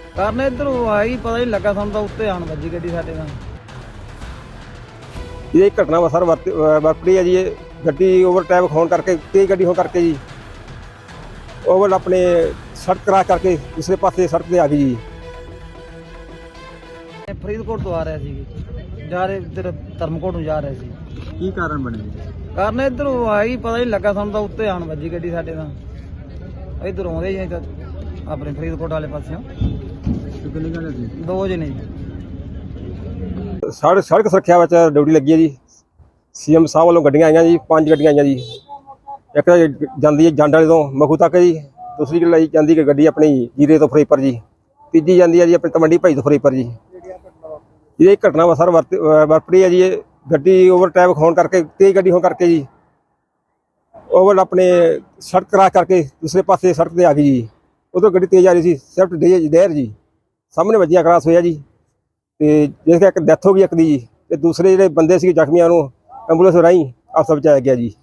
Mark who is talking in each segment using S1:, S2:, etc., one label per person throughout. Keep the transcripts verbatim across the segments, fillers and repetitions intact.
S1: ਕਾਰਨ ਇੱਧਰੋਂ ਆਈ ਪਤਾ ਨਹੀਂ ਲੱਗਾ ਸਾਨੂੰ ਤਾਂ ਉੱਤੇ ਆਣ ਵੱਜੀ ਗੱਡੀ ਸਾਡੇ ਨਾਲ।
S2: ਇਹ ਇੱਕ ਘਟਨਾ ਵਾ ਸਰ ਵਾਪਰੀ ਵਾਪਰੀ ਹੈ ਜੀ। ਇਹ ਗੱਡੀ ਓਵਰਟੇਕ ਹੋਣ ਕਰਕੇ, ਤੇਜ਼ ਗੱਡੀ ਹੋਣ ਕਰਕੇ ਜੀ ਓਵਰ ਆਪਣੇ ਸੜਕ ਕਰਾਸ ਕਰਕੇ ਦੂਸਰੇ ਪਾਸੇ ਸੜਕ ਤੇ ਆ ਗਈ ਜੀ।
S1: ਇਹ ਫਰੀਦਕੋਟ ਤੋਂ ਆ ਰਿਹਾ ਸੀ, ਜਾ ਰਹੇ ਇੱਧਰ ਧਰਮਕੋਟ ਨੂੰ ਜਾ ਰਹੇ ਸੀ।
S3: ਕੀ ਕਾਰਨ ਬਣੇ?
S1: ਕਾਰਨ ਇੱਧਰੋਂ ਆਈ ਪਤਾ ਨਹੀਂ ਲੱਗਾ ਸਾਨੂੰ ਤਾਂ ਉੱਤੇ ਆਣ ਵੱਜੀ ਗੱਡੀ ਸਾਡੇ ਨਾਲ। ਇੱਧਰ ਆਉਂਦੇ ਜੀ ਤਾਂ ਆਪਣੇ ਫਰੀਦਕੋਟ ਵਾਲੇ ਪਾਸਿਓਂ
S3: ਕਿੰਨੇ ਜਣੇ ਸੀ?
S1: ਦੋ ਜਣੇ।
S2: ਸੜਕ ਸੜਕ ਸੁਰੱਖਿਆ ਵਿੱਚ ਡਿਊਟੀ ਲੱਗੀ ਹੈ ਜੀ। ਸੀਐਮ ਸਾਹਿਬ ਵੱਲੋਂ ਗੱਡੀਆਂ ਆਈਆਂ ਜੀ, ਪੰਜ ਗੱਡੀਆਂ ਆਈਆਂ ਜੀ। ਇੱਕ ਤਾਂ ਜਾਂਦੀ ਹੈ ਜੰਡ ਵਾਲੇ ਤੋਂ ਮਖੂ ਤੱਕ ਜੀ, ਦੂਸਰੀ ਲਈ ਜਾਂਦੀ ਕਿ ਗੱਡੀ ਆਪਣੀ ਜੀਰੇ ਤੋਂ ਫਰੀਦਕੋਟ ਜੀ, ਤੀਜੀ ਜਾਂਦੀ ਹੈ ਜੀ ਆਪਣੀ ਤਮੰਡੀ ਭਾਈ ਤੋਂ ਫਰੀਦਕੋਟ ਜੀ। ਇਹ ਇੱਕ ਘਟਨਾ ਵਾ ਸਰ ਵਾਪਰੀ ਹੈ ਜੀ। ਇਹ ਗੱਡੀ ਓਵਰਟੇਕ ਹੋਣ ਕਰਕੇ, ਤੇਜ਼ ਗੱਡੀ ਹੋਣ ਕਰਕੇ ਜੀ ਓਵਰ ਆਪਣੇ ਸੜਕ ਕਰਾਸ ਕਰਕੇ ਦੂਸਰੇ ਪਾਸੇ ਸੜਕ ਤੇ ਆ ਗਈ ਜੀ। ਉਦੋਂ ਗੱਡੀ ਤੇਜ਼ ਆ ਰਹੀ ਸੀ, ਸਵਿਫਟ ਡਿਜ਼ਾਇਰ ਜੀ, ਸਾਹਮਣੇ ਵੱਜੀਆਂ ਕਰਾਸ ਹੋਇਆ ਜੀ। ਤੇ ਜਿਸ ਇੱਕ ਡੈਥ ਹੋ ਗਈ ਇੱਕ ਦੀ ਜੀ, ਤੇ ਦੂਸਰੇ ਜਿਹੜੇ ਬੰਦੇ ਸੀ ਜ਼ਖਮੀਆਂ ਨੂੰ ਐਂਬੂਲੈਂਸ ਰਾਹੀਂ ਹਸਪਤਾਲ ਪਹੁੰਚਾਇਆ ਗਿਆ ਜੀ।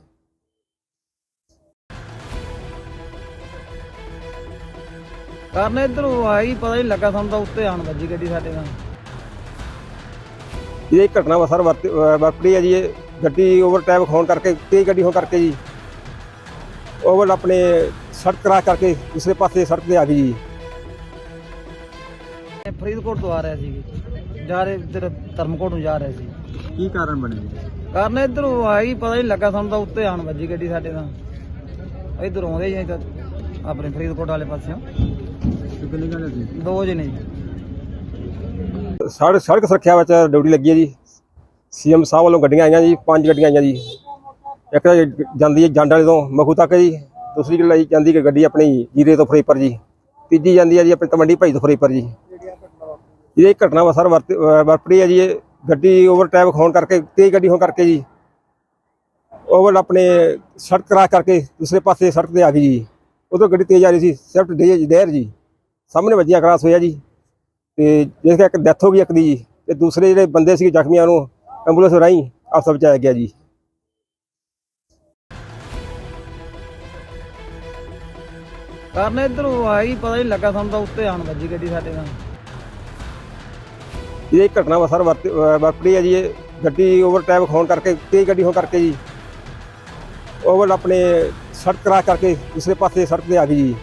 S1: ਕਾਰਨ ਇੱਧਰੋਂ ਆਈ ਪਤਾ ਨਹੀਂ ਲੱਗਾ ਸਾਨੂੰ ਤਾਂ ਉੱਤੇ ਆਣ ਵੱਜੀ ਗੱਡੀ ਸਾਡੇ ਨਾਲ।
S2: ਇਹ ਇੱਕ ਘਟਨਾ ਵਾ ਸਰ ਵਾਪਰੀ ਹੈ ਜੀ। ਇਹ ਗੱਡੀ ਓਵਰਟੇਕ ਹੋਣ ਕਰਕੇ, ਤੇਜ਼ ਗੱਡੀ ਹੋਣ ਕਰਕੇ ਜੀ ਓਵਰ ਆਪਣੇ ਸੜਕ ਕਰਾਸ ਕਰਕੇ ਦੂਸਰੇ ਪਾਸੇ ਸੜਕ ਤੇ ਆ ਗਈ ਜੀ।
S1: ਇਹ ਫਰੀਦਕੋਟ ਤੋਂ ਆ ਰਿਹਾ ਸੀ, ਜਾ ਰਹੇ ਇੱਧਰ ਧਰਮਕੋਟ ਨੂੰ ਜਾ ਰਹੇ ਸੀ।
S3: ਕੀ ਕਾਰਨ ਬਣੇ?
S1: ਕਾਰਨ ਇੱਧਰੋਂ ਆਈ ਪਤਾ ਨਹੀਂ ਲੱਗਾ ਸਾਨੂੰ ਤਾਂ ਉੱਤੇ ਆਣ ਵੱਜੀ ਗੱਡੀ ਸਾਡੇ ਨਾਲ। ਇੱਧਰ ਆਉਂਦੇ ਜੀ ਤਾਂ ਆਪਣੇ ਫਰੀਦਕੋਟ ਵਾਲੇ ਪਾਸਿਓਂ
S3: ਕਿੰਨੇ ਜਣੇ ਸੀ?
S1: ਦੋ ਜਣੇ।
S2: ਸੜਕ ਸੜਕ ਸੁਰੱਖਿਆ ਵਿੱਚ ਡਿਊਟੀ ਲੱਗੀ ਹੈ ਜੀ। ਸੀਐਮ ਸਾਹਿਬ ਵੱਲੋਂ ਗੱਡੀਆਂ ਆਈਆਂ ਜੀ, ਪੰਜ ਗੱਡੀਆਂ ਆਈਆਂ ਜੀ। ਇੱਕ ਤਾਂ ਜਾਂਦੀ ਹੈ ਜੰਡ ਵਾਲੇ ਤੋਂ ਮਖੂ ਤੱਕ ਜੀ, ਦੂਸਰੀ ਲਈ ਜਾਂਦੀ ਕਿ ਗੱਡੀ ਆਪਣੀ ਜੀਰੇ ਤੋਂ ਫਰੀਦਕੋਟ ਜੀ, ਤੀਜੀ ਜਾਂਦੀ ਹੈ ਜੀ ਆਪਣੀ ਤਮੰਡੀ ਭਾਈ ਤੋਂ ਫਰੀਦਕੋਟ ਜੀ। ਇਹ ਇੱਕ ਘਟਨਾ ਵਾ ਸਰ ਵਾਪਰੀ ਹੈ ਜੀ। ਇਹ ਗੱਡੀ ਓਵਰਟੇਕ ਹੋਣ ਕਰਕੇ, ਤੇਜ਼ ਗੱਡੀ ਹੋਣ ਕਰਕੇ ਜੀ ਓਵਰ ਆਪਣੇ ਸੜਕ ਕਰਾਸ ਕਰਕੇ ਦੂਸਰੇ ਪਾਸੇ ਸੜਕ ਤੇ ਆ ਗਈ ਜੀ। ਉਦੋਂ ਗੱਡੀ ਤੇਜ਼ ਆ ਰਹੀ ਸੀ, ਸਵਿਫਟ ਡਿਜ਼ਾਇਰ ਜੀ, ਸਾਹਮਣੇ ਵੱਜੀਆਂ ਕਰਾਸ ਹੋਇਆ ਜੀ। ਤੇ ਜਿਸ ਇੱਕ ਡੈਥ ਹੋ ਗਈ ਇੱਕ ਦੀ ਜੀ, ਤੇ ਦੂਸਰੇ ਜਿਹੜੇ ਬੰਦੇ ਸੀ ਜ਼ਖਮੀਆਂ ਨੂੰ ਐਂਬੂਲੈਂਸ ਰਾਹੀਂ ਹਸਪਤਾਲ ਪਹੁੰਚਾਇਆ ਗਿਆ ਜੀ।
S1: ਕਾਰਨ ਇੱਧਰੋਂ ਆਈ ਪਤਾ ਨਹੀਂ ਲੱਗਾ ਸਾਨੂੰ ਤਾਂ ਉੱਤੇ ਆਣ ਵੱਜੀ ਗੱਡੀ ਸਾਡੇ ਨਾਲ।
S2: ਇਹ ਇੱਕ ਘਟਨਾ ਵਾ ਸਰ ਵਾਪਰੀ ਹੈ ਜੀ। ਇਹ ਗੱਡੀ ਓਵਰਟੇਕ ਹੋਣ ਕਰਕੇ, ਤੇਜ਼ ਗੱਡੀ ਹੋਣ ਕਰਕੇ ਜੀ ਓਵਰ ਆਪਣੇ ਸੜਕ ਕਰਾਸ ਕਰਕੇ ਦੂਸਰੇ ਪਾਸੇ ਸੜਕ ਤੇ ਆ ਗਈ ਜੀ।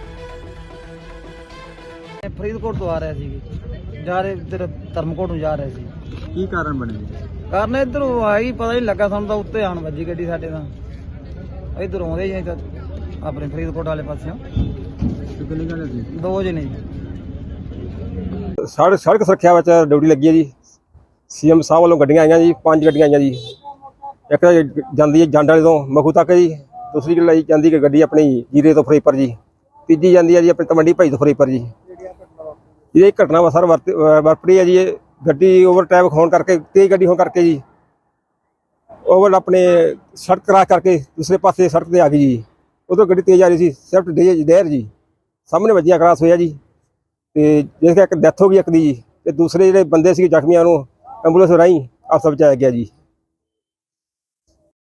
S1: ਇਹ ਫਰੀਦਕੋਟ ਤੋਂ ਆ ਰਿਹਾ ਸੀ, ਜਾ ਰਹੇ ਇੱਧਰ ਧਰਮਕੋਟ ਨੂੰ ਜਾ ਰਹੇ ਸੀ।
S3: ਕੀ ਕਾਰਨ ਬਣੇ?
S1: ਕਾਰਨ ਇੱਧਰੋਂ ਆਈ ਪਤਾ ਨਹੀਂ ਲੱਗਾ ਸਾਨੂੰ ਤਾਂ ਉੱਤੇ ਆਣ ਵੱਜੀ ਗੱਡੀ ਸਾਡੇ ਨਾਲ। ਇੱਧਰ ਆਉਂਦੇ ਜੀ ਤਾਂ ਆਪਣੇ ਫਰੀਦਕੋਟ ਵਾਲੇ ਪਾਸਿਓਂ
S3: ਕਿੰਨੇ ਜਣੇ ਸੀ?
S1: ਦੋ ਜਣੇ।
S2: ਸੜਕ ਸੜਕ ਸੁਰੱਖਿਆ ਵਿੱਚ ਡਿਊਟੀ ਲੱਗੀ ਹੈ ਜੀ। ਸੀਐਮ ਸਾਹਿਬ ਵੱਲੋਂ ਗੱਡੀਆਂ ਆਈਆਂ ਜੀ, ਪੰਜ ਗੱਡੀਆਂ ਆਈਆਂ ਜੀ। ਇੱਕ ਤਾਂ ਜਾਂਦੀ ਹੈ ਜੰਡ ਵਾਲੇ ਤੋਂ ਮਖੂ ਤੱਕ ਜੀ, ਦੂਸਰੀ ਲਈ ਜਾਂਦੀ ਕਿ ਗੱਡੀ ਆਪਣੀ ਜੀਰੇ ਤੋਂ ਫਰੀਦਕੋਟ ਜੀ, ਤੀਜੀ ਜਾਂਦੀ ਹੈ ਜੀ ਆਪਣੀ ਤਮੰਡੀ ਭਾਈ ਤੋਂ ਫਰੀਦਕੋਟ ਜੀ। ਇਹ ਇੱਕ ਘਟਨਾ ਵਾ ਸਰ ਵਾਪਰੀ ਹੈ ਜੀ। ਇਹ ਗੱਡੀ ਓਵਰਟੇਕ ਹੋਣ ਕਰਕੇ, ਤੇਜ਼ ਗੱਡੀ ਹੋਣ ਕਰਕੇ ਜੀ ਓਵਰ ਆਪਣੇ ਸੜਕ ਕਰਾਸ ਕਰਕੇ ਦੂਸਰੇ ਪਾਸੇ ਸੜਕ ਤੇ ਆ ਗਈ ਜੀ। ਉਦੋਂ ਗੱਡੀ ਤੇਜ਼ ਆ ਰਹੀ ਸੀ, ਸਵਿਫਟ ਡਿਜ਼ਾਇਰ ਜੀ, ਸਾਹਮਣੇ ਵੱਜੀਆਂ ਕਰਾਸ ਹੋਇਆ ਜੀ। ਤੇ ਜਿਸ ਇੱਕ ਡੈਥ ਹੋ ਗਈ ਇੱਕ ਦੀ ਜੀ, ਤੇ ਦੂਸਰੇ ਜਿਹੜੇ ਬੰਦੇ ਸੀ ਜ਼ਖਮੀਆਂ ਨੂੰ ਐਂਬੂਲੈਂਸ ਰਾਹੀਂ ਹਸਪਤਾਲ ਪਹੁੰਚਾਇਆ ਗਿਆ ਜੀ।